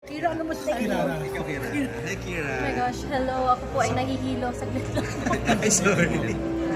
Kira, ano mo sa Kira? Ikaw, Kira. Hi, Kira. Oh my gosh, hello. Ako po ay nahihilo. Saglit lang po. Ay, sorry.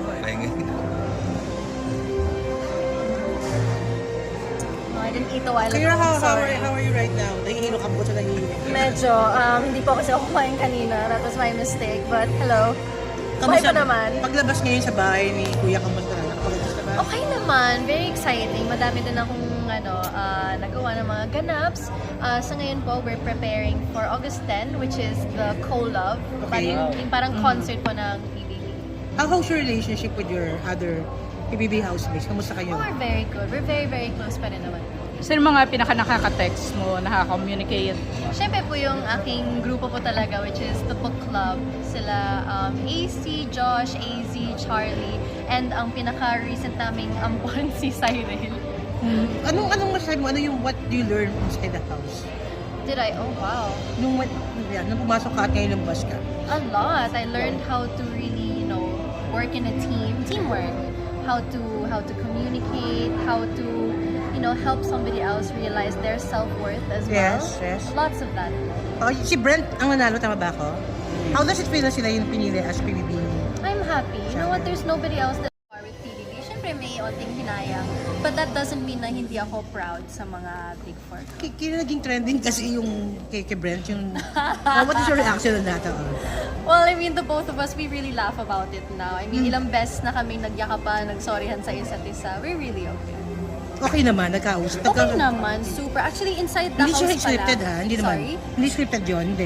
No, I didn't eat a while ago. Kira, I'm how sorry. are you right now? Nahihilo ka po sa nahihilo. Medyo, hindi po kasi ako kumain kanina. That was my mistake. But hello. Okay pa naman. Paglabas ngayon sa bahay ni Kuya, kamusta na? Nakapagabas na ba? Okay naman. Very exciting. Madami din akong nagawa ng mga ganaps. Sa ngayon po, we're preparing for August 10, which is the Co-Love. Okay. Yung parang concert po ng PBB. How's your relationship with your other PBB housemates? Kamusta kayo? We're very good. We're very, very close pa rin naman. Sino mga pinaka-nakaka-text mo, nakaka-communicate? Siyempre po yung aking grupo po talaga, which is the book club. Sila AC, Josh, AZ, Charlie, and ang pinaka-recent naming ampon si Cyril. Anong masasabi mo? Ano yung what do you learn inside the house? Did I? Oh, wow. Nung pumasok ka at ngayon lumabas ka? A lot. I learned how to really, work in a teamwork. How to communicate, how to, help somebody else realize their self-worth as well. Yes. Lots of that. Si Brent ang nanalo, tama ba ako? How does it feel na sila yung pinili as PBB? I'm happy. You know what? There's nobody else that are with PBB. Siyempre may onting hinayang. But that doesn't mean na hindi ako proud sa mga Big Four. Kaya naging trending kasi yung kay Brent, yung... what is your reaction on that? Well, I mean, the both of us, we really laugh about it now. I mean, ilang beses na kami nagyakapan, nagsorryhan sa isa't isa. We're really okay. Okay naman, nagkausap. Okay naman, super. Actually, inside the Hindi house siya pala. scripted ha? Hindi naman. Sorry? Hindi scripted yun, hindi.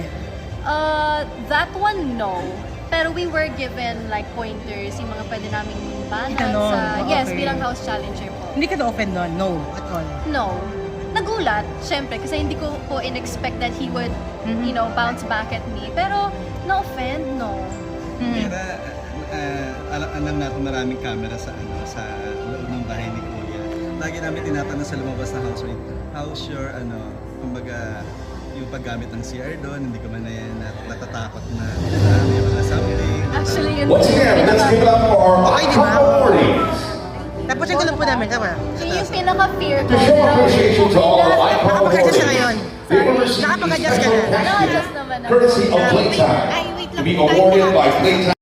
That one, no. Pero we were given like pointers, yung mga pwede naming banan Itanong, sa... okay. Yes, bilang house challenger po. Hindi ka na-offend nun? No, at all. No. Nagulat, syempre, kasi hindi ko po in-expect that he would, bounce back at me. Pero, na-offend, no. Kira, alam natin maraming camera sa loob ng bahay ni Kuya. Lagi namin tinatanong sa lumabas na housemate, how's your, kumbaga, yung paggamit ng CR doon, hindi ka man na yan natatakot na may mga something. Actually, yun Once again, let's give it up for our Okay, di ba? top priorities. Tapos yung lang po namin, tama? yun yung pinaka-fear ko. To show appreciation to all of ICON Nakapag-adjust ka authorities, ngayon. they will receive Nakapag-adjust special ka na. Na-adjust recognition naman ako. courtesy of Playtime Ay, wait lang. to be awarded by Playtime.